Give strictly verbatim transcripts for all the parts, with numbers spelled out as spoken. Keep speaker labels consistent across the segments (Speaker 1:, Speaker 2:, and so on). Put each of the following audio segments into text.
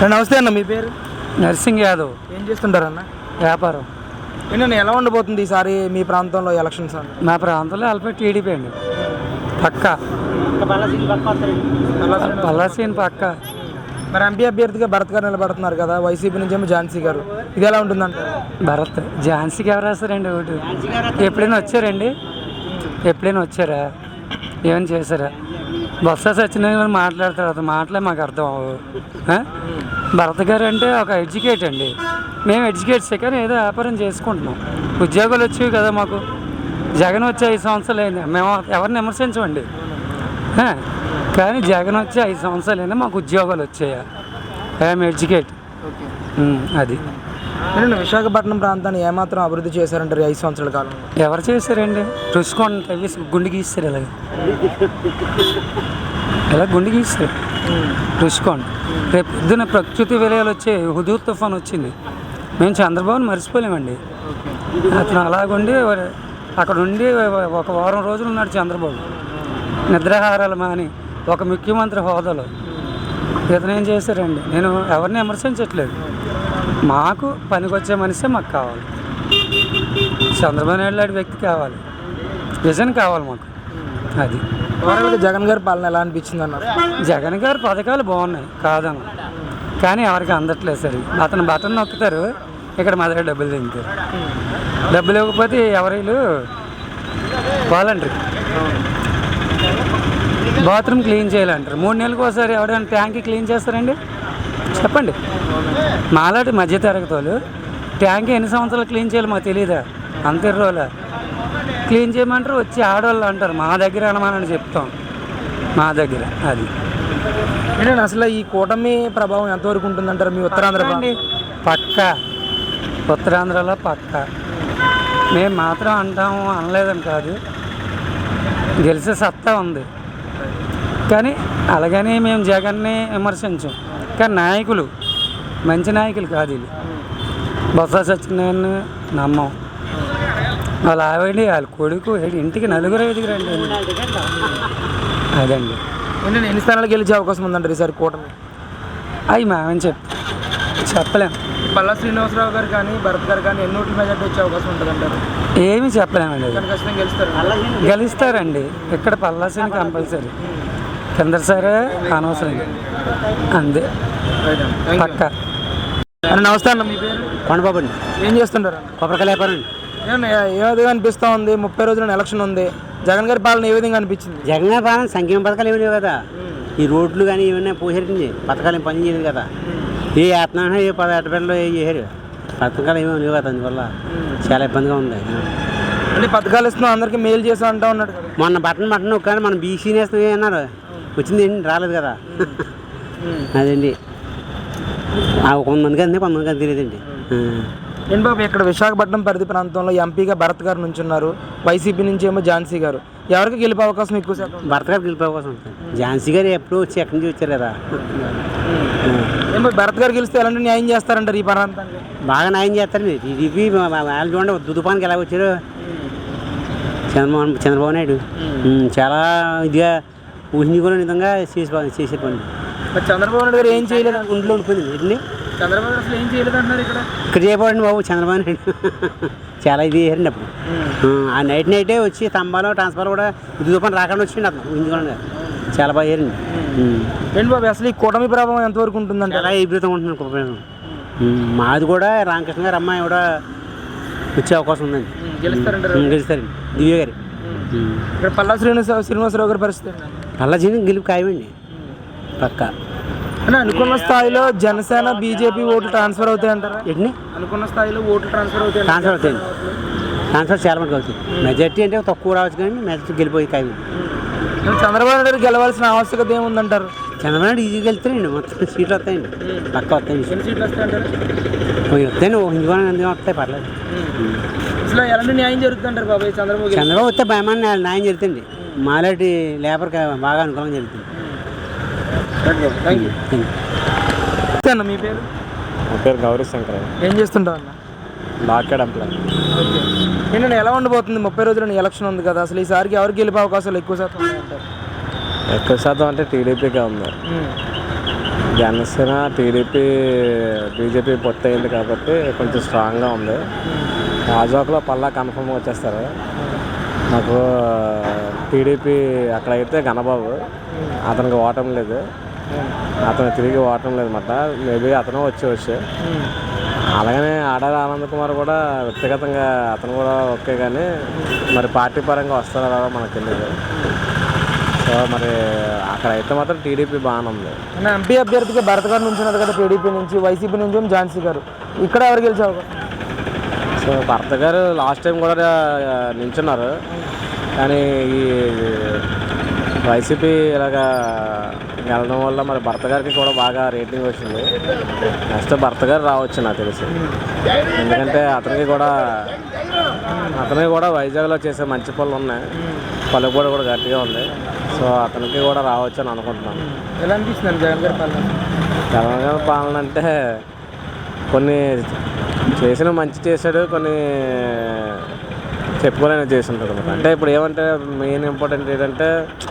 Speaker 1: నమస్తే అన్న, మీ పేరు?
Speaker 2: నర్సింగ్ యాదవ్.
Speaker 1: ఏం చేస్తుంటారు అన్న?
Speaker 2: వ్యాపారం.
Speaker 1: నేను ఎలా ఉండబోతుంది ఈసారి మీ ప్రాంతంలో ఎలక్షన్స్ అన్న?
Speaker 2: మా ప్రాంతంలో అల్పే టీడీపీ అండి, పక్క పల్లాసీన్ పక్క.
Speaker 1: మరి ఎంపీ అభ్యర్థిగా భరత్ గారు నిలబడుతున్నారు కదా, వైసీపీ నుంచి ఏమో ఝాన్సీ గారు, ఇది ఎలా ఉంటుందంట?
Speaker 2: భరత్ ఝాన్సీకి ఎవరు రాస్తారండి ఓటు? ఎప్పుడైనా వచ్చారండి? ఎప్పుడైనా వచ్చారా? ఏమైనా చేశారా? బొత్స సత్యనారాయణ మాట్లాడతారు, అది మాటలే మాకు అర్థం అవ్వవు. భరత్ గారు అంటే ఒక ఎడ్యుకేట్ అండి, మేము ఎడ్యుకేట్స్ కానీ ఏదో వ్యాపారం చేసుకుంటున్నాం. ఉద్యోగాలు వచ్చేవి కదా మాకు. జగన్ వచ్చి ఐదు సంవత్సరాలు అయింది, మేము ఎవరిని విమర్శించమండి, కానీ జగన్ వచ్చి ఐదు సంవత్సరాలు అయినా మాకు ఉద్యోగాలు వచ్చాయా? I'm educate. అది
Speaker 1: నేను విశాఖపట్నం ప్రాంతాన్ని ఏమాత్రం అభివృద్ధి చేశారంటారు ఐదు సంవత్సరాల కాలంలో?
Speaker 2: ఎవరు చేశారండి? రుసుకోండి తవ్వి గుండె గీస్తారు, ఇలాగ ఇలా గుండె గీస్తారు రుసుకోండి. రేపు పొద్దున ప్రకృతి విలయాలు వచ్చే హుదూద్ తుఫాన్ వచ్చింది, మేము చంద్రబాబుని మర్చిపోలేమండి. అతను అలాగుండి అక్కడ ఉండి ఒక వారం రోజులు ఉన్నాడు చంద్రబాబు, నిద్రాహారాలు మాని ఒక ముఖ్యమంత్రి హోదాలో. ఇతను ఏం చేశారండి? నేను ఎవరిని విమర్శించట్లేదు, మాకు పనికొచ్చే మనిషే మాకు కావాలి. చంద్రబాబు నాయుడు లాంటి వ్యక్తి కావాలి, విజన్ కావాలి మాకు. అది
Speaker 1: జగన్ గారి పాలన ఎలా అనిపించింది అన్నారు?
Speaker 2: జగన్ గారి పథకాలు బాగున్నాయి కాదన్న, కానీ ఎవరికి అందట్లేదు సరే. అతను బటన్ నొక్కుతారు, ఇక్కడ మా దగ్గర డబ్బులు తింటారు. డబ్బులు ఇవ్వకపోతే ఎవరైనా వాలంటరీ బాత్రూమ్ క్లీన్ చేయాలంటారు. మూడు నెలలకు ఒకసారి ఎవరైనా ట్యాంక్ క్లీన్ చేస్తారండి? చెప్పండి. మాలాంటి మధ్యతరగతి వాళ్ళు ట్యాంక్ ఎన్ని సంవత్సరాలు క్లీన్ చేయాలి మాకు తెలియదా? అంత రోజులా క్లీన్ చేయమంటారు, వచ్చి ఆడవాళ్ళు అంటారు మా దగ్గర అనమానని చెప్తాం, మా దగ్గర. అది
Speaker 1: ఏంటంటే అసలు ఈ కూటమి ప్రభావం ఎంతవరకు ఉంటుందంటారు మీ ఉత్తరాంధ్ర?
Speaker 2: పక్క ఉత్తరాంధ్రలో పక్క. మేము మాత్రం అంటాము అనలేదని కాదు, గెలిచే సత్తా ఉంది. కానీ అలాగని మేము జగన్ని విమర్శించాం, కానీ నాయకులు మంచి నాయకులు కాదు వీళ్ళు. బొత్స సత్యనారాయణ నమ్మం, వాళ్ళ ఆవిడ వాళ్ళ కొడుకు ఇంటికి నలుగురు ఐదుగురు అండి. అదండి.
Speaker 1: ఏంటంటే ఎన్ని స్థానాలు గెలిచే అవకాశం ఉందంటారు ఈసారి కూటమి?
Speaker 2: అవి మేమని చెప్ చెప్పలేము.
Speaker 1: పల్లా శ్రీనివాసరావు గారు కానీ భరత్ గారు కానీ ఎన్ని ఓట్ల మెజార్టీ వచ్చే అవకాశం ఉంటుంది అంటారు?
Speaker 2: ఏమీ చెప్పలేమండి.
Speaker 1: ఖచ్చితంగా గెలుస్తారు.
Speaker 2: గెలుస్తారండి ఇక్కడ పల్లాసీని కంపల్సరీ, కింద సరే అనవసరం అంతే పక్క.
Speaker 1: నమస్తే అన్న, మీ పేరు?
Speaker 2: కొండబాబు అండి.
Speaker 1: ఏం చేస్తుంటారు?
Speaker 2: కొబ్బరికాయల వ్యాపారం అండి.
Speaker 1: ఏ విధంగా అనిపిస్తూ ఉంది? ముప్పై రోజుల ఎలక్షన్ ఉంది, జగన్ గారి పాలన ఏ విధంగా అనిపించింది?
Speaker 3: జగన్ గారి పాలన సంక్షేమ పథకాలు ఏమి లేవు కదా, ఈ రోడ్లు కానీ ఏమైనా పోసేటండి, పథకాలు ఏం పని చేయలేదు కదా. ఏ యాత్న ఏ పద ఎట్టబెట్టలో ఏ చేశారు, పథకాలు ఏమేమి లేవు కదా, అందువల్ల చాలా ఇబ్బందిగా ఉంది.
Speaker 1: అన్ని పథకాలు ఇస్తున్నాం, అందరికీ మేలు చేస్తా అంటా ఉన్నాడు.
Speaker 3: మొన్న బట్టన్ బట్టన్ కానీ మనం బీసీ నేస్తాం అన్నారు, వచ్చింది ఏంటి రాలేదు కదా. అదండి కొంతమందికి అంతే, కొంతమందికి అంత తెలియదండి.
Speaker 1: ఏంటి బాబు, ఇక్కడ విశాఖపట్నం పరిధి ప్రాంతంలో ఎంపీగా భరత్ గారు నుంచి ఉన్నారు, వైసీపీ నుంచి ఏమో ఝాన్సీ గారు. ఎవరికి గెలిపే అవకాశం ఎక్కువ శాతం?
Speaker 3: భరత్ గారు గెలిపే అవకాశం ఉంటుంది. ఝాన్సీ గారు ఎప్పుడు వచ్చి ఎక్కడి నుంచి వచ్చారు కదా.
Speaker 1: ఏమో భరత్ గారు గెలిస్తే ఎలాంటి న్యాయం చేస్తారంటారు ఈ ప్రాంతానికి?
Speaker 3: బాగా న్యాయం చేస్తారండి. టీడీపీ వాళ్ళు చూడండి దుదుపానికి ఎలా వచ్చారు చంద్రబాబు చంద్రబాబు నాయుడు, చాలా ఇదిగా ఊహించుకునే విధంగా చేసి చేసే పని.
Speaker 1: చంద్రబాబు నాయుడు గారు ఏం చేయలేదు,
Speaker 3: ఇంట్లో ఉండిపోయింది ఏంటండి.
Speaker 1: చంద్రబాబు నాయుడు అసలు ఏం చేయలేదు అంటున్నారు ఇక్కడ.
Speaker 3: ఇక్కడ చేయబడండి బాబు చంద్రబాబు నాయుడు చాలా ఇది చేశారండి అప్పుడు. ఆ నైట్ నైటే వచ్చి స్తంభాలు ట్రాన్స్ఫర్ కూడా దుదుపాన్ని రాకుండా వచ్చిండి అతను ఊహించుకోండి, చాలా బాగా చేయండి.
Speaker 1: ఏంటి బాబు అసలు ఈ కూటమి ప్రభావం ఎంతవరకు ఉంటుందంటే?
Speaker 3: చాలా విపరీతంగా ఉంటున్నాను కుటుంబం. మాది కూడా రామకృష్ణ గారు అమ్మాయి కూడా వచ్చే అవకాశం ఉందండి.
Speaker 1: గెలుస్తారంటారు?
Speaker 3: గెలుస్తారండి దివ్య గారి.
Speaker 1: ఇక్కడ పల్లా శ్రీనివాస శ్రీనివాసరావు గారి పరిస్థితి
Speaker 3: పల్లా జీని గెలుపు ఖాయమండి పక్క.
Speaker 1: అంటే అనుకున్న స్థాయిలో జనసేన బీజేపీ ఓట్లు ట్రాన్స్ఫర్ అవుతాయి అంటారా?
Speaker 3: ఏంటి
Speaker 1: అనుకున్న స్థాయిలో ఓట్లు ట్రాన్స్ఫర్ అవుతాయి?
Speaker 3: ట్రాన్స్ఫర్ అవుతాయండి, ట్రాన్స్ఫర్ చాలా మందికి అవుతాయి. మెజార్టీ అంటే తక్కువ రావచ్చు కానీ మెజార్టీ గెలిపోయి ఖాయమండి.
Speaker 1: చంద్రబాబు నాయుడు గెలవాల్సిన ఆవశ్యకత ఏముందంటారు?
Speaker 3: చంద్రబాబు నాయుడు ఈజీగా వెళ్తారండి, మొత్తం సీట్లు వస్తాయండి, పక్క వస్తాయండి.
Speaker 1: ఎన్ని సీట్లు వస్తాయంటారు?
Speaker 3: వస్తాయండి, హిందువులు ఎందుకు వస్తాయి, పర్లేదు.
Speaker 1: అసలు ఎలాంటి న్యాయం జరుగుతుంటారు బాబాయ్ చంద్రబాబు?
Speaker 3: చంద్రబాబు వస్తే భయమాన్ని న్యాయం జరుగుతుంది, మాలాంటి లేబర్కి బాగా అనుకూలంగా జరుగుతుంది.
Speaker 1: Thank you. అన్న, మీ పేరు?
Speaker 4: నా పేరు గౌరీ శంకర్.
Speaker 1: ఏం చేస్తుంటావు అన్న?
Speaker 4: లాకెడ్ ఎంప్లాయ్.
Speaker 1: ఓకే. ఏంటంటే ఎలా ఉండబోతుంది? ముప్పై రోజుల ఎలక్షన్ ఉంది కదా, అసలు ఈసారికి ఎవరికి గెలిపే అవకాశాలు ఎక్కువ శాతం ఉన్నాయంటారు?
Speaker 4: ఎక్కువ శాతం అంటే టీడీపీగా ఉంది. జనసేన టీడీపీ బీజేపీ పొత్తు అయింది కాబట్టి కొంచెం స్ట్రాంగ్గా ఉంది. రాజోకలో పల్లా కన్ఫర్మ్గా వచ్చేస్తారు. నాకు టీడీపీ అక్కడైతే ఘనబాబు, అతనికి ఓటం లేదు, అతను తిరిగి ఓటం లేదు అన్నమాట. మేబీ అతను వచ్చి వచ్చి అలాగనే ఆడారి ఆనంద్ కుమార్ కూడా వ్యక్తిగతంగా అతను కూడా ఓకే, కానీ మరి పార్టీ పరంగా వస్తారో రాదో మనకు తెలియదు. సో మరి అక్కడైతే మాత్రం టీడీపీ బాగానే ఉంది.
Speaker 1: అన్న ఎంపీ అభ్యర్థిగా భరత్ గారు నుంచున్నారు కదా టీడీపీ నుంచి, వైసీపీ నుంచి ఏమో ఝాన్సీ గారు, ఇక్కడ ఎవరు గెలిచే అవకాశం?
Speaker 4: సో భరత్ గారు లాస్ట్ టైం కూడా నించున్నారు, కానీ ఈ వైసీపీ ఇలాగా గెలడం వల్ల మరి భరత్ గారికి కూడా బాగా రేటింగ్ వచ్చింది. నెక్స్ట్ భరత్ గారు రావచ్చు నాకు తెలిసి, ఎందుకంటే అతనికి కూడా అతనికి కూడా వైజాగ్లో చేసే మంచి పనులు ఉన్నాయి, పలుకుబడి కూడా గట్టిగా ఉంది. సో అతనికి కూడా రావచ్చు అని అనుకుంటున్నాను.
Speaker 1: ఎలా అనిపిస్తుంది జగన్ గారి పాలన?
Speaker 4: జగన్ గారి పాలన అంటే కొన్ని చేసిన మంచి చేశాడు, కొన్ని చెప్పుకోలేని చేసి ఉంటాడు అనమాట. అంటే ఇప్పుడు ఏమంటే మెయిన్ ఇంపార్టెంట్ ఏంటంటే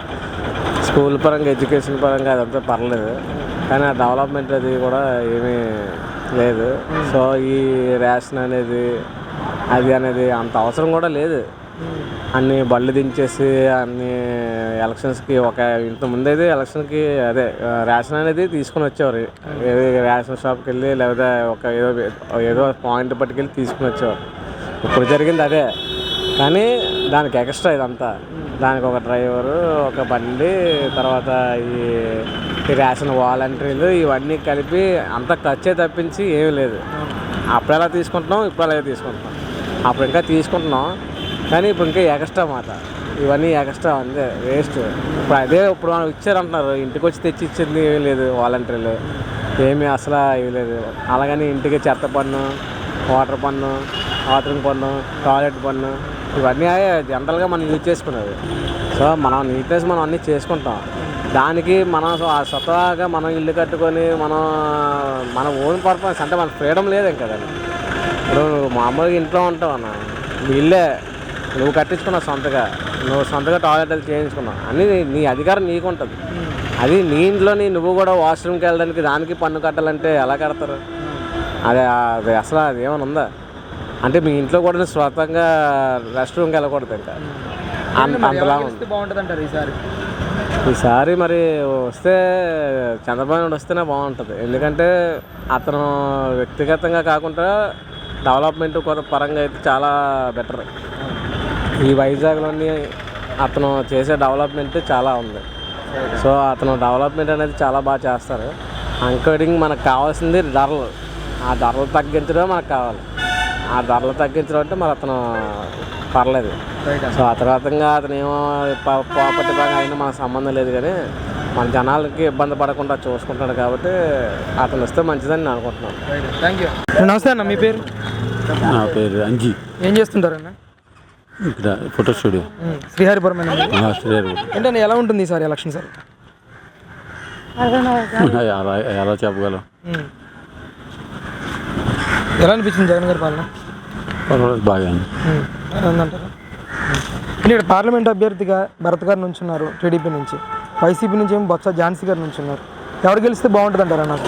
Speaker 4: స్కూల్ పరంగా ఎడ్యుకేషన్ పరంగా అదంతా పర్లేదు, కానీ ఆ డెవలప్మెంట్ అది కూడా ఏమీ లేదు. సో ఈ రేషన్ అనేది అది అనేది అంత అవసరం కూడా లేదు. అన్ని బళ్ళు దించేసి అన్ని ఎలక్షన్స్కి ఒక ఇంతకుముందు అయితే ఎలక్షన్కి అదే రేషన్ అనేది తీసుకుని వచ్చేవారు, ఏదో రేషన్ షాప్కి వెళ్ళి లేకపోతే ఒక ఏదో ఏదో పాయింట్ పట్టుకెళ్ళి తీసుకుని వచ్చేవారు. ఇప్పుడు జరిగింది అదే, కానీ దానికి ఎక్స్ట్రా ఇదంతా, దానికి ఒక డ్రైవరు, ఒక బండి, తర్వాత ఈ ఈ రేషన్ వాలంటీర్లు ఇవన్నీ కలిపి అంత ఖర్చే తప్పించి ఏమీ లేదు. అప్పుడు ఎలా తీసుకుంటున్నాం, ఇప్పుడు అలాగే తీసుకుంటున్నాం. అప్పుడు ఇంకా తీసుకుంటున్నాం, కానీ ఇప్పుడు ఇంకా ఎక్స్ట్రా మాట, ఇవన్నీ ఎక్స్ట్రా అంతే వేస్ట్. ఇప్పుడు అదే ఇప్పుడు మనం ఇచ్చారంటున్నారు, ఇంటికి వచ్చి తెచ్చి ఇచ్చింది ఏమీ లేదు, వాలంటీర్లు ఏమీ అసలు ఇవి లేదు. అలాగని ఇంటికి చెత్త పన్ను, వాటర్ పన్ను, బాత్రూమ్ పన్ను, టాయిలెట్ పన్ను ఇవన్నీ జనరల్గా మనం యూజ్ చేసుకునేది. సో మనం నీట్నెస్ మనం అన్నీ చేసుకుంటాం, దానికి మనం స్వతహాగా మనం ఇల్లు కట్టుకొని మనం మన ఓన్ పర్పస్ అంటే మన ఫ్రీడమ్ లేదు ఇంకా దాన్ని. ఇప్పుడు మామూలుగా ఇంట్లో ఉంటావు అన్న, నీ ఇల్లే నువ్వు కట్టించుకున్నావు సొంతగా, నువ్వు సొంతగా టాయిలెట్ అది చేయించుకున్నావు అన్నీ నీ అధికారం నీకు ఉంటుంది. అది నీ ఇంట్లోని నువ్వు కూడా వాష్రూమ్కి వెళ్ళడానికి దానికి పన్ను కట్టాలంటే ఎలా కడతారు? అదే అది అసలు అది ఏమైనా ఉందా? అంటే మీ ఇంట్లో కూడా స్వతంగా రెస్ట్ రూమ్కి వెళ్ళకూడదు ఇంకా అంత అంతలా ఉంది.
Speaker 1: బాగుంటుంది అంటారు ఈసారి?
Speaker 4: ఈసారి మరి వస్తే చంద్రబాబు నాయుడు వస్తేనే బాగుంటుంది, ఎందుకంటే అతను వ్యక్తిగతంగా కాకుండా డెవలప్మెంట్ కొత్త పరంగా అయితే చాలా బెటర్. ఈ వైజాగ్లోని అతను చేసే డెవలప్మెంట్ చాలా ఉంది. సో అతను డెవలప్మెంట్ అనేది చాలా బాగా చేస్తారు. ఇంకోటింగ్ మనకు కావాల్సింది ధరలు, ఆ ధరలు తగ్గించడం మనకు కావాలి. ఆ ధరలు తగ్గించడం అంటే మరి అతను పర్లేదు. సో ఆ తర్వాతంగా అతను ఏమో ప్రాపర్టీ పరంగా అయినా మనకు సంబంధం లేదు, కానీ మన జనాలకి ఇబ్బంది పడకుండా చూసుకుంటాడు కాబట్టి అతను వస్తే మంచిదని నేను అనుకుంటున్నాను.
Speaker 1: Thank you. నమస్తే అన్న, మీ పేరు?
Speaker 5: నా పేరు అంజీ.
Speaker 1: ఏం చేస్తుంటారన్న?
Speaker 5: ఇక్కడ ఫోటో స్టూడియో
Speaker 1: శ్రీహరిపురం.
Speaker 5: శ్రీహరి.
Speaker 1: ఏంటంటే ఎలా ఉంటుంది ఈసారి ఎలక్షన్ సార్?
Speaker 5: ఎలా ఎలా చెప్పగలం?
Speaker 1: ఎలా అనిపించింది జగన్ గారి పాలన?
Speaker 5: పర్వాలేదు, బాగా
Speaker 1: ఉందంటారా? ఇక్కడ పార్లమెంట్ అభ్యర్థిగా భరత్ గారు నుంచున్నారు టీడీపీ నుంచి, వైసీపీ నుంచి ఏమో బొత్స ఝాన్సీ గారు నుంచున్నారు. ఎవరు గెలిస్తే బాగుంటుంది అంటారా? నాకు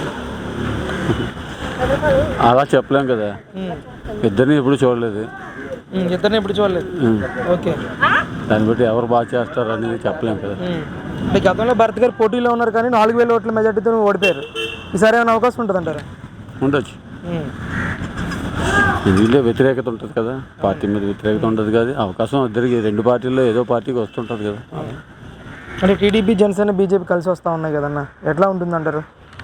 Speaker 5: అలా చెప్పలేం కదా, ఇద్దరిని ఎప్పుడు చూడలేదు.
Speaker 1: ఇద్దరిని ఎప్పుడు చూడలేదు. ఓకే,
Speaker 5: దాన్ని బట్టి ఎవరు బాగా చేస్తారు అనేది చెప్పలేం కదా.
Speaker 1: అంటే గతంలో భరత్ గారు పోటీలో ఉన్నారు, కానీ నాలుగు వేల ఓట్ల మెజార్టీతో ఓడిపోయారు. ఈసారి ఏమైనా అవకాశం ఉంటుంది అంటారా?
Speaker 5: ఉండొచ్చు, ఎందుకంటే వ్యతిరేకత ఉంటుంది కదా, పార్టీ మీద వ్యతిరేకత ఉంటుంది కదా, అవకాశం ఇద్దరికి రెండు పార్టీల్లో ఏదో పార్టీకి వస్తుంటుంది కదా.
Speaker 1: అంటే టీడీపీ, జనసేన, బీజేపీ కలిసి వస్తూ ఉన్నాయి కదన్న, ఎట్లా ఉంటుంది అంటారు?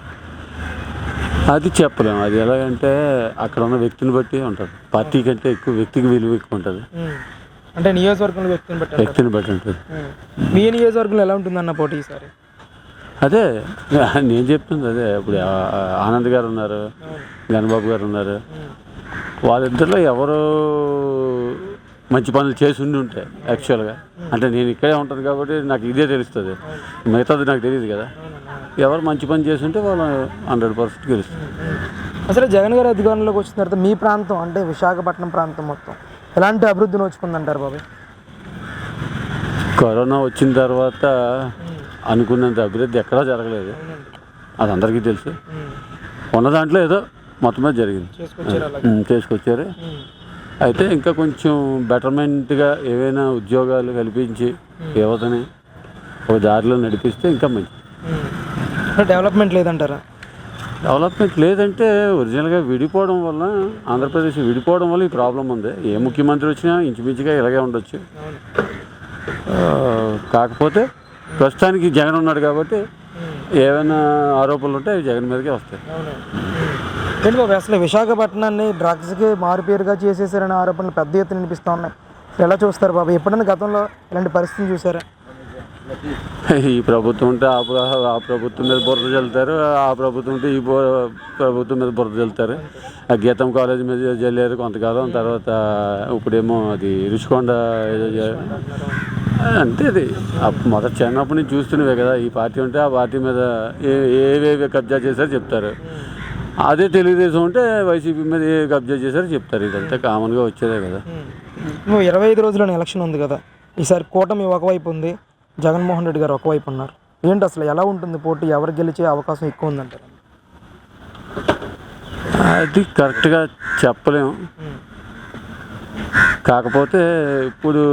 Speaker 5: అది చెప్పలేము. అది ఎలాగంటే అక్కడ ఉన్న వ్యక్తిని బట్టి ఉంటుంది, పార్టీ కంటే ఎక్కువ వ్యక్తికి విలువ ఎక్కువ ఉంటుంది.
Speaker 1: అంటే నియోజకవర్గంలో వ్యక్తిని బట్టి
Speaker 5: వ్యక్తిని బట్టి ఉంటుంది.
Speaker 1: మీ నియోజకవర్గంలో ఎలా ఉంటుందన్న పోటీ ఈసారి?
Speaker 5: అదే నేను చెప్తుంది అదే. ఇప్పుడు ఆనంద్ గారు ఉన్నారు, గణబాబు గారు ఉన్నారు, వాళ్ళిద్దరిలో ఎవరు మంచి పనులు చేసి ఉండి ఉంటాయి యాక్చువల్గా. అంటే నేను ఇక్కడే ఉంటుంది కాబట్టి నాకు ఇదే తెలుస్తుంది, మిగతాది నాకు తెలియదు కదా. ఎవరు మంచి పని చేసి ఉంటే వాళ్ళు హండ్రెడ్ పర్సెంట్ గెలుస్తుంది.
Speaker 1: అసలు జగన్ గారి అధికారంలోకి వచ్చిన తర్వాత మీ ప్రాంతం అంటే విశాఖపట్నం ప్రాంతం మొత్తం ఎలాంటి అభివృద్ధి నోచుకుందంటారు బాబాయ్?
Speaker 5: కరోనా వచ్చిన తర్వాత అనుకున్నంత అభివృద్ధి ఎక్కడా జరగలేదు. అది అందరికీ తెలుసు. ఉన్న దాంట్లో ఏదో మొత్తం మీద జరిగింది,
Speaker 1: చేసుకొచ్చారు అలా.
Speaker 5: ఉమ్, చేసుకొచ్చారు. అయితే ఇంకా కొంచెం బెటర్మెంట్గా ఏవైనా ఉద్యోగాలు కల్పించి యువతని ఒక దారిలో నడిపిస్తే ఇంకా మంచిది.
Speaker 1: డెవలప్మెంట్ లేదంటారా?
Speaker 5: డెవలప్మెంట్ లేదంటే ఒరిజినల్గా విడిపోవడం వల్ల, ఆంధ్రప్రదేశ్ విడిపోవడం వల్ల ఈ ప్రాబ్లం ఉంది. ఏ ముఖ్యమంత్రి వచ్చినా ఇంచుమించుగా ఇలాగే ఉండొచ్చు. ఆ, కాకపోతే ప్రస్తుతానికి జగన్ ఉన్నాడు కాబట్టి ఏమైనా ఆరోపణలు ఉంటే అవి జగన్ మీదకే వస్తాయి.
Speaker 1: ఏంటి బాబు అసలు విశాఖపట్నాన్ని డ్రగ్స్కి మారుపేరుగా చేసేసారనే ఆరోపణలు పెద్ద ఎత్తున వినిపిస్తూ ఉన్నాయి. అసలు ఎలా చూస్తారు బాబు? ఎప్పుడైనా గతంలో ఇలాంటి పరిస్థితిని చూసారా?
Speaker 5: ఈ ప్రభుత్వం ఉంటే ఆ ప్ర- ఆ ప్రభుత్వం మీద బురద చల్లుతారు, ఆ ప్రభుత్వం ఉంటే ఈ బు- ప్రభుత్వం మీద బురద చల్లుతారు. ఆ గీతం కాలేజ్ మీద చల్లారు కొంతకాలం, తర్వాత ఇప్పుడేమో అది రుషికొండ ఏదో చే- అంతే. అది అప్- మొదటి చిన్నప్పటి నుంచి చూస్తున్నవే కదా. ఈ పార్టీ ఉంటే ఆ పార్టీ మీద ఏ ఏవేవి కబ్జా చేశారో చెప్తారు. అదే తెలుగుదేశం ఉంటే వైసీపీ మీద ఏ కబ్జా చేశారో చెప్తారు. ఇదంతా కామన్గా వచ్చేదే కదా.
Speaker 1: నువ్వు ఇరవై ఐదు రోజుల్లోనే ఎలక్షన్ ఉంది కదా, ఈసారి కూటమి ఒకవైపు ఉంది, జగన్మోహన్ రెడ్డి గారు ఒకవైపు ఉన్నారు. ఏంటి అసలు ఎలా ఉంటుంది పోటీ? ఎవరు గెలిచే అవకాశం ఎక్కువ ఉందంటారు?
Speaker 5: అది కరెక్ట్గా చెప్పలేము. కాకపోతే ఇప్పుడు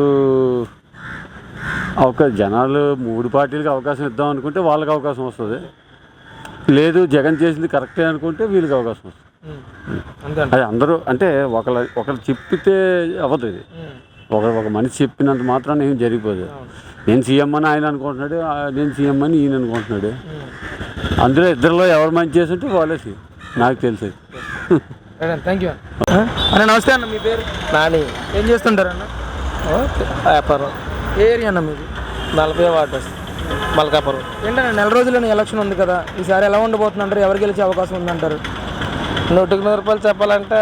Speaker 5: ఒక జనాలు మూడు పార్టీలకు అవకాశం ఇద్దాం అనుకుంటే వాళ్ళకి అవకాశం వస్తుంది. లేదు జగన్ చేసింది కరెక్టే అనుకుంటే వీళ్ళకి అవకాశం వస్తుంది.
Speaker 1: అంతే
Speaker 5: అది అందరూ అంటే ఒకళ్ళ ఒకళ్ళు చెప్పితే అవ్వదు. ఇది ఒక ఒక మనిషి చెప్పినంత మాత్రాన్ని ఏం జరిగిపోదు. నేను సీఎం అని ఆయన అనుకుంటున్నాడు, ఆ నేను సీఎం అని ఈయన అనుకుంటున్నాడు. అందులో ఇద్దరిలో ఎవరు మంచి చేసి ఉంటే వాళ్ళే సీఎం నాకు తెలిసేది.
Speaker 1: థ్యాంక్ యూ అన్న. నమస్తే అన్న, మీ పేరు?
Speaker 6: నాని
Speaker 1: ఏం చేస్తుంటారు అన్న?
Speaker 6: వ్యాపారం
Speaker 1: ఏ ఏరియా అన్న మీది?
Speaker 6: నలభై వార్డు మల్కాపురం.
Speaker 1: ఏంటన్నా నెల రోజుల్లోనే ఎలక్షన్ ఉంది కదా, ఈసారి ఎలా ఉండబోతుందంటారు? ఎవరు గెలిచే అవకాశం ఉందంటారు?
Speaker 6: నూటికి నూరు రూపాయలు చెప్పాలంటే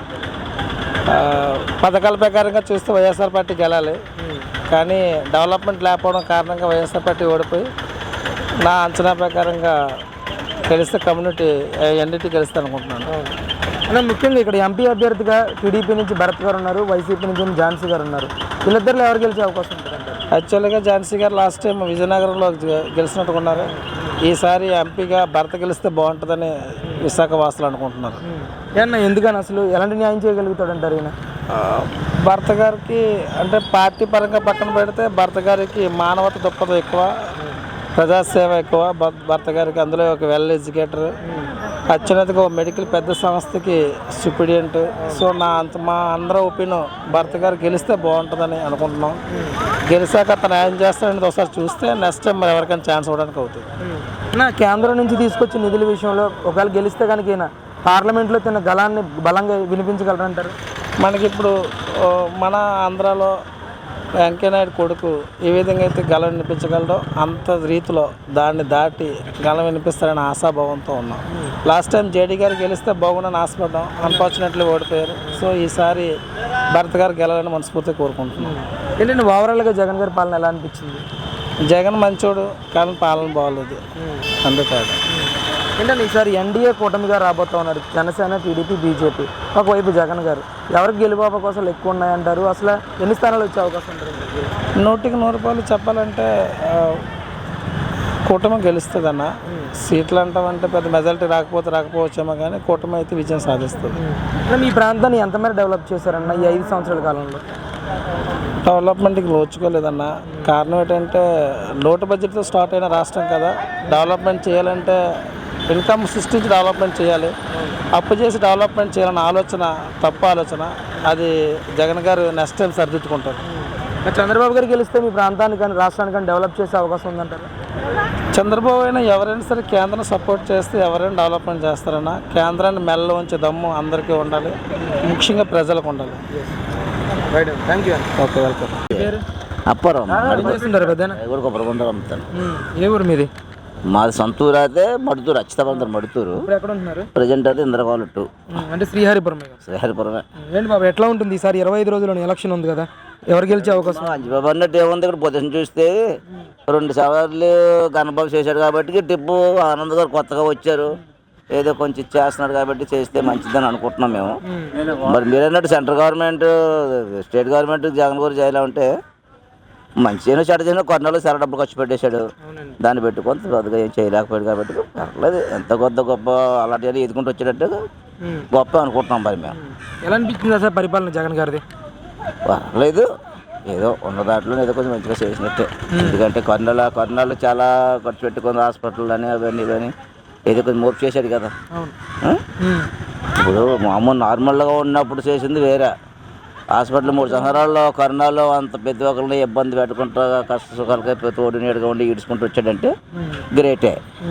Speaker 6: ఆ, పథకాల ప్రకారంగా చూస్తే వైఎస్ఆర్ పార్టీకి వెళ్ళాలి. కానీ డెవలప్మెంట్ లేకపోవడం కారణంగా వైఎస్ఆర్ పార్టీ ఓడిపోయి నా అంచనా ప్రకారంగా గెలిస్తే కమ్యూనిటీ ఎన్డీటీ గెలుస్తే అనుకుంటున్నాను.
Speaker 1: అన్న ముఖ్యంగా ఇక్కడ ఎంపీ అభ్యర్థిగా టీడీపీ నుంచి భరత్ గారు ఉన్నారు, వైసీపీ నుంచి ఏమో ఝాన్సీ గారు ఉన్నారు. వీళ్ళిద్దరిలో ఎవరు గెలిచే అవకాశం ఉంటుందంటారు?
Speaker 6: యాక్చువల్గా ఝాన్సీ గారు లాస్ట్ టైం విజయనగరంలో గె- గెలిచినట్టుకున్నారు. ఈసారి ఎంపీగా భర్త గెలిస్తే బాగుంటుందని విశాఖ వాసులు అనుకుంటున్నారు.
Speaker 1: ఏమన్నా ఎందుకని అసలు ఎలాంటి న్యాయం చేయగలుగుతాడంటారు ఈయన?
Speaker 6: ఆ, భర్త గారికి అంటే పార్టీ పరంగా పక్కన పెడితే భర్త గారికి మానవత దృక్పథం ఎక్కువ, ప్రజాసేవ ఎక్కువ. భర్త భర్త గారికి అందులో ఒక వెల్ ఎడ్యుకేటర్, అత్యున్నతగా ఒక మెడికల్ పెద్ద సంస్థకి సుపీడియంట్. సో నా అంత మా అందరూ ఒపీనియన్ భర్త గారు గెలిస్తే బాగుంటుందని అనుకుంటున్నాం. గెలిచాక అతను న్యాయం చేస్తాడనేది ఒకసారి చూస్తే నెక్స్ట్ టైం మరి ఎవరికైనా ఛాన్స్ ఇవ్వడానికి అవుతుంది.
Speaker 1: నా కేంద్రం నుంచి తీసుకొచ్చిన నిధుల విషయంలో ఒకవేళ గెలిస్తే కనుక ఈయన పార్లమెంట్లో తిన్న గలాన్ని బలంగా వినిపించగలరంటారు?
Speaker 6: మనకి ఇప్పుడు ఆ, మన ఆంధ్రాలో వెంకయ్యనాయుడు కొడుకు ఏ విధంగా అయితే గలం వినిపించగలడో అంత రీతిలో దాన్ని దాటి గలం వినిపిస్తారని ఆశాభావంతో ఉన్నాం. లాస్ట్ టైం జేడీ గారు గెలిస్తే బాగుండని ఆశపడ్డాం, అన్ఫార్చునేట్లీ ఓడిపోయారు. సో ఈసారి భరత్ గారు గెలాలని మనస్ఫూర్తిగా కోరుకుంటున్నాం.
Speaker 1: ఏంటంటే ఓవరాల్గా జగన్ గారి పాలన ఎలా అనిపించింది?
Speaker 6: జగన్ మంచోడు కానీ పాలన బాగోలేదు, అందుకాదు.
Speaker 1: ఏంటంటే ఈసారి ఎన్డీఏ కూటమిగా రాబోతా ఉన్నారు, జనసేన, టీడీపీ, బీజేపీ. ఒకవైపు జగన్ గారు. ఎవరికి గెలుపు అవకాశాలు ఎక్కువ ఉన్నాయంటారు? అసలు ఎన్ని స్థానాలు వచ్చే అవకాశం ఉంటుంది?
Speaker 6: నూటికి నూరు రూపాయలు చెప్పాలంటే ఆ, కూటమి గెలుస్తుంది అన్న. సీట్లు అంటామంటే పెద్ద మెజారిటీ రాకపోతే రాకపోవచ్చేమో కానీ కూటమి అయితే విజయం సాధిస్తుంది.
Speaker 1: అంటే మీ ప్రాంతాన్ని ఎంత మేర డెవలప్ చేశారన్న ఈ ఐదు సంవత్సరాల కాలంలో?
Speaker 6: డెవలప్మెంట్కి నోచుకోలేదన్న. కారణం ఏంటంటే లోటు బడ్జెట్తో స్టార్ట్ అయిన రాష్ట్రం కదా. డెవలప్మెంట్ చేయాలంటే ఇన్కమ్ సృష్టించి డెవలప్మెంట్ చేయాలి. అప్పు చేసి డెవలప్మెంట్ చేయాలన్న ఆలోచన తప్పు ఆలోచన. అది జగన్ గారు నెక్స్ట్ టైం సరిదిద్దుకుంటారు.
Speaker 1: మరి చంద్రబాబు గారు గెలిస్తే మీ ప్రాంతానికి కానీ రాష్ట్రానికి కానీ డెవలప్ చేసే అవకాశం ఉందంటారు?
Speaker 6: చంద్రబాబు అయినా ఎవరైనా సరే కేంద్రం సపోర్ట్ చేస్తే ఎవరైనా డెవలప్మెంట్ చేస్తారన్నా. కేంద్రాన్ని మెల్ల ఉంచే దమ్ము అందరికీ ఉండాలి, ముఖ్యంగా ప్రజలకు ఉండాలి.
Speaker 1: Thank you.
Speaker 6: Okay, welcome.
Speaker 1: పేరు?
Speaker 7: అప్పారం
Speaker 1: ఏం చేస్తుంటారు పెద్దనా?
Speaker 7: కూడా కొబ్బరి బొందలు అమ్ముతాను.
Speaker 1: ఏ ఊరు మీది?
Speaker 7: మాది సొంతూరు అయితే మడుతూరు, అచ్చితబందరు మడుతూరు.
Speaker 1: ఇప్పుడు ఎక్కడ ఉంటున్నారు?
Speaker 7: ప్రజెంట్ అయితే ఇంద్రకోలట్టు
Speaker 1: అంటే శ్రీహరిపురం.
Speaker 7: శ్రీహరిపురమే.
Speaker 1: ఏంటి బాబు ఎట్లా ఉంటుంది ఈసారి ఇరవై ఐదు రోజుల్లో ఎలక్షన్ ఉంది కదా, ఎవరు గెలిచే అవకాశం?
Speaker 7: అంజబాబు అన్నట్టు ఏముంది, ఇక్కడ పొజిషన్ చూస్తే రెండు సార్లు గణబాబు చేశాడు కాబట్టి టిప్పు ఆనంద్ గారు కొత్తగా వచ్చారు, ఏదో కొంచెం చేస్తున్నాడు కాబట్టి చేస్తే మంచిదని అనుకుంటున్నాం మేము. మరి మీరన్నట్టు central government state government Jagan గారు చేయాలంటే మంచిగా చెడ్డ చేసినా కొన్నాళ్ళు సర డబ్బులు ఖర్చు పెట్టేశాడు. దాన్ని పెట్టుకొని పెద్దగా ఏం చేయలేకపోయాడు కాబట్టి పర్లేదు, ఎంత కొద్ద గొప్ప అలాంటి ఎదుకుంటూ వచ్చేటట్టు గొప్ప అనుకుంటున్నాం మరి మేము.
Speaker 1: ఎలా అనిపించింది సార్ పరిపాలన జగన్ గారిది?
Speaker 7: పర్లేదు, ఏదో ఉన్న దాంట్లో ఏదో కొంచెం మంచిగా చేసినట్టే. ఎందుకంటే కొన్నాళ్ళు కొన్నాళ్ళు చాలా ఖర్చు పెట్టుకుంది హాస్పిటల్ అని అవన్నీ ఇవన్నీ ఏదో కొంచెం మోపు చేశాడు కదా. ఆ? ఇప్పుడు మామూలు నార్మల్గా ఉన్నప్పుడు చేసింది వేరే. హాస్పిటల్ మూడు సంవత్సరాల్లో కరోనాలో అంత పెద్ద ఒకరిని ఇబ్బంది పెట్టుకుంటా కష్ట సుఖాలకి తోడు నీడుగా ఉండి ఈడ్చుకుంటూ వచ్చాడంటే గ్రేటే.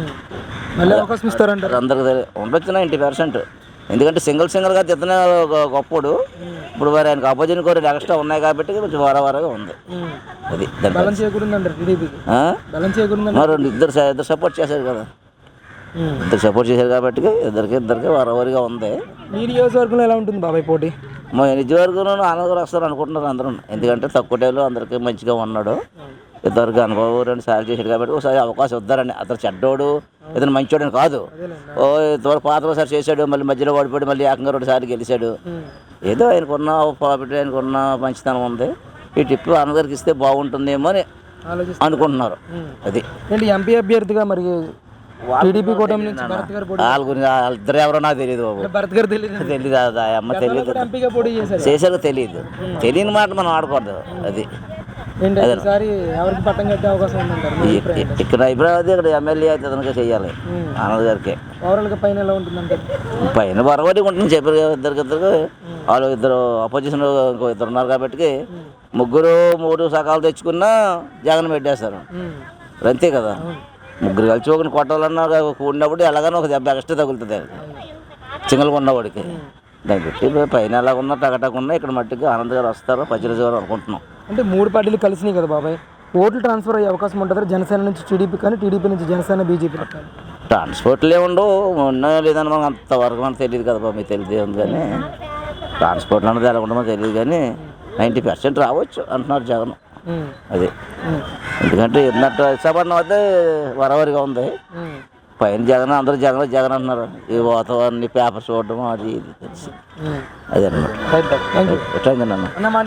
Speaker 1: మళ్ళీ అవకాశం ఇస్తారంటారు?
Speaker 7: అందరికి తెలియదు, ఉండొచ్చు నైంటీ పర్సెంట్. ఎందుకంటే సింగిల్ సింగిల్గా తిత్తనే గొప్పడు. ఇప్పుడు మరి ఆయనకు అపోజిట్ కోరి ఎక్స్ట్రా ఉన్నాయి కాబట్టి కొంచెం వారవారగా ఉంది. అది
Speaker 1: బలం చేకూరిందంటారు టీడీపీకి?
Speaker 7: ఆ?
Speaker 1: బలం చేకూరిందండి.
Speaker 7: మరి ఇద్దరు ఇద్దరు సపోర్ట్ చేశారు కదా, ఇద్దరు సపోర్ట్ చేశారు కాబట్టి ఇద్దరికి ఇద్దరికి వారవారిగా ఉంది.
Speaker 1: మీ నియోజకవర్గంలో ఎలా ఉంటుంది బాబాయ్ పోటీ?
Speaker 7: మా నిజవర్గంలో ఆనందగారు వస్తారు అనుకుంటున్నారు అందరూ. ఎందుకంటే తక్కువ టైంలో అందరికీ మంచిగా ఉన్నాడు. ఇద్దరికి అనుభవం రెండు సార్లు చేశాడు కాబట్టి ఒకసారి అవకాశం ఇద్దారని. అతను చెడ్డోడు ఇతను మంచోడు అని కాదు. ఓ ఇద్దరు పాత ఒకసారి చేశాడు, మళ్ళీ మధ్యలో ఓడిపోయాడు, మళ్ళీ ఏకంగా రెండు సార్లు గెలిచాడు. ఏదో ఆయనకున్న ప్రాఫిట్ ఆయనకున్న మంచితనం ఉంది. ఈ టిప్ ఆనందగారికి ఇస్తే బాగుంటుందేమో అని అనుకుంటున్నారు. అది
Speaker 1: ఏంటి ఎంపీ అభ్యర్థిగా మరి టీడీపీ కూటమి నుంచి భరత్ గారు పోటీ
Speaker 7: వాళ్ళ గురించి వాళ్ళిద్దరు ఎవరో నాకు తెలియదు బాబు.
Speaker 1: భరత్ గారు తెలియదు
Speaker 7: తెలీదు, అది అమ్మ తెలియదు,
Speaker 1: ఎంపీగా పోటీ చేశారు.
Speaker 7: చేశారో తెలియదు. తెలియని మాట మనం ఆడకూడదు. అది
Speaker 1: ఏంటి ఈసారి ఎవరికి పట్టం కట్టే అవకాశం ఉందంటారు మీ అభిప్రాయం?
Speaker 7: ఇక్కడ అభిప్రాయం అయితే ఇక్కడ ఎమ్మెల్యే అయితే అతనికే చెయ్యాలి, ఆనంద్ గారికి.
Speaker 1: ఓవరాల్గా పైన ఎలా ఉంటుందంటారు?
Speaker 7: పైన బరవటి ఉంటుంది చెప్పారు కదా, ఇద్దరికి ఇద్దరు వాళ్ళు ఇద్దరు అపోజిషన్ ఇంకో ఇద్దరు ఉన్నారు కాబట్టి ముగ్గురు మూడు సకాలు తెచ్చుకున్నా జగన్ పెట్టేస్తారు. అంతే కదా, ముగ్గురు కలిసి ఒకరిని కొట్టాలన్నా కూడినప్పుడు ఎలాగైనా ఒక దెబ్బ ఎక్స్ట్రా తగులుతుంది సింగల్గా ఉన్నవాడికి. దాన్ని పెట్టి పైన ఎలాగున్నా టగటకున్నా ఇక్కడ మట్టికి ఆనంద్ గారు వస్తారు పచ్చిరజ గారు అనుకుంటున్నాం.
Speaker 1: అంటే మూడు పార్టీలు కలిసినాయి కదా బాబాయ్, ఓట్లు ట్రాన్స్ఫర్ అయ్యే అవకాశం ఉంటుంది జనసేన నుంచి టీడీపీ కానీ టీడీపీ నుంచి జనసేన బీజేపీ రకాలు?
Speaker 7: ట్రాన్స్పోర్ట్లే ఉండవు, ఉన్నాయో లేదని మనకు అంతవరకు మనకు తెలియదు కదా బాబు, మీకు తెలియదు ఉంది. కానీ ట్రాన్స్పోర్ట్లు అన్నది ఎలా ఉండమో తెలియదు, కానీ నైంటీ పర్సెంట్ రావచ్చు అంటున్నారు జగన్. అది ఎందుకంటే ఉన్నట్టు ఇష్టపడిన అయితే వరవరిగా ఉంది. పైన జగన్ అందరూ జగన్ జగన్ అంటున్నారు. ఈ వాతావరణం పేపర్ చూడడం అది ఇది తెలిసి అదే అనమాట.
Speaker 1: Thank you.
Speaker 7: నన్ను